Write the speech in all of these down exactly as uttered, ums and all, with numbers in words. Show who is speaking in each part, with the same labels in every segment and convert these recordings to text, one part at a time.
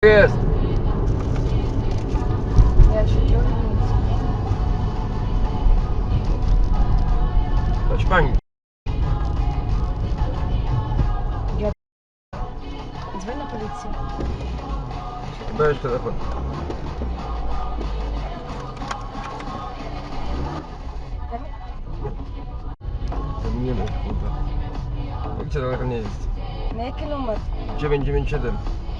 Speaker 1: Jest.
Speaker 2: Ja się nie nic.
Speaker 1: Chodź pani.
Speaker 2: Ja... Dzwoń na policję.
Speaker 1: Weź telefon. Nie wiem, kurwa. Policja daleko nie jest.
Speaker 2: Na jaki numer?
Speaker 1: dziewięć dziewięć siedem.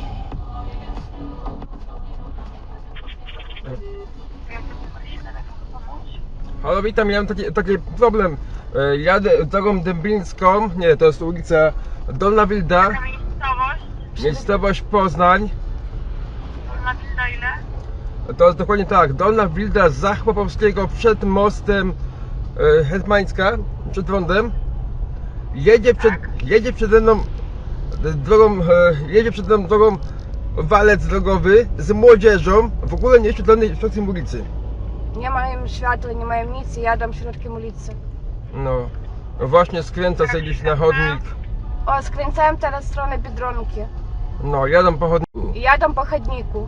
Speaker 1: Halo, witam, ja mam taki, taki problem. E, Jadę drogą dębińską, nie, to jest ulica Dolna Wilda,
Speaker 3: Jaka miejscowość?
Speaker 1: miejscowość Poznań.
Speaker 3: Dolna Wilda ile?
Speaker 1: To jest dokładnie tak, Dolna Wilda z Zachłopowskiego przed mostem e, Hetmańska, przed rondem. Jedzie przed, jedzie przede mną e, drogą, e, jedzie przede mną drogą walec drogowy z młodzieżą, w ogóle nie świetlonej środkiem ulicy.
Speaker 2: Nie mają światła, nie mają nic i jadą środkiem ulicy.
Speaker 1: No, właśnie skręca sobie gdzieś na chodnik.
Speaker 2: O, skręcałem teraz w stronę Biedronki.
Speaker 1: No, jadą po chodniku.
Speaker 2: I jadą po chodniku.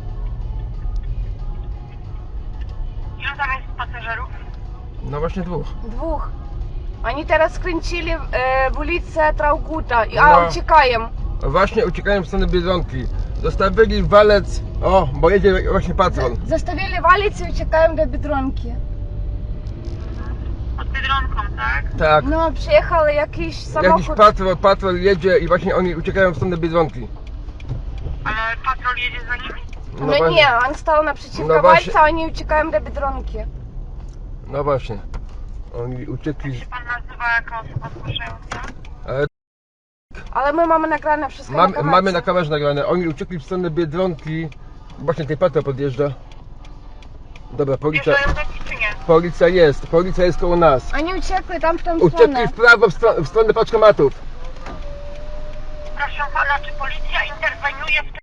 Speaker 3: Ilu tam jest pasażerów?
Speaker 1: No właśnie dwóch.
Speaker 2: Dwóch. Oni teraz skręcili e, w ulicę Trauguta, i- a
Speaker 1: No.
Speaker 2: uciekają.
Speaker 1: Właśnie uciekają w stronę Biedronki. Zostawili walec, o, bo jedzie właśnie patrol.
Speaker 2: Zostawili walić i uciekają do Biedronki.
Speaker 3: Pod Biedronką, tak?
Speaker 1: Tak,
Speaker 2: No, przyjechał jakiś
Speaker 1: jakiś
Speaker 2: samochód.
Speaker 1: patrol, patrol jedzie i właśnie oni uciekają w stronę Biedronki.
Speaker 3: Ale patrol jedzie za nimi?
Speaker 2: No,
Speaker 1: właśnie,
Speaker 2: nie, on stał naprzeciwko
Speaker 1: No właśnie.
Speaker 2: walca, a oni uciekają do Biedronki.
Speaker 1: No właśnie. Oni uciekli.
Speaker 3: Czy pan nazywa jako osoba zgłaszająca?
Speaker 1: Ale
Speaker 2: Ale my mamy nagrane wszystko
Speaker 1: mam,
Speaker 2: na kamerce.
Speaker 1: mamy na kamerze nagrane. Oni uciekli w stronę Biedronki. Właśnie tej patrol podjeżdża. Dobra, policja,
Speaker 3: Wjeżdżają do nich czy nie?
Speaker 1: policja jest, policja jest koło nas.
Speaker 2: Oni uciekli tam w tą
Speaker 1: Uciekli
Speaker 2: stronę.
Speaker 1: w prawo w, stro, w stronę paczkomatów.
Speaker 3: Proszę pana, czy policja interweniuje w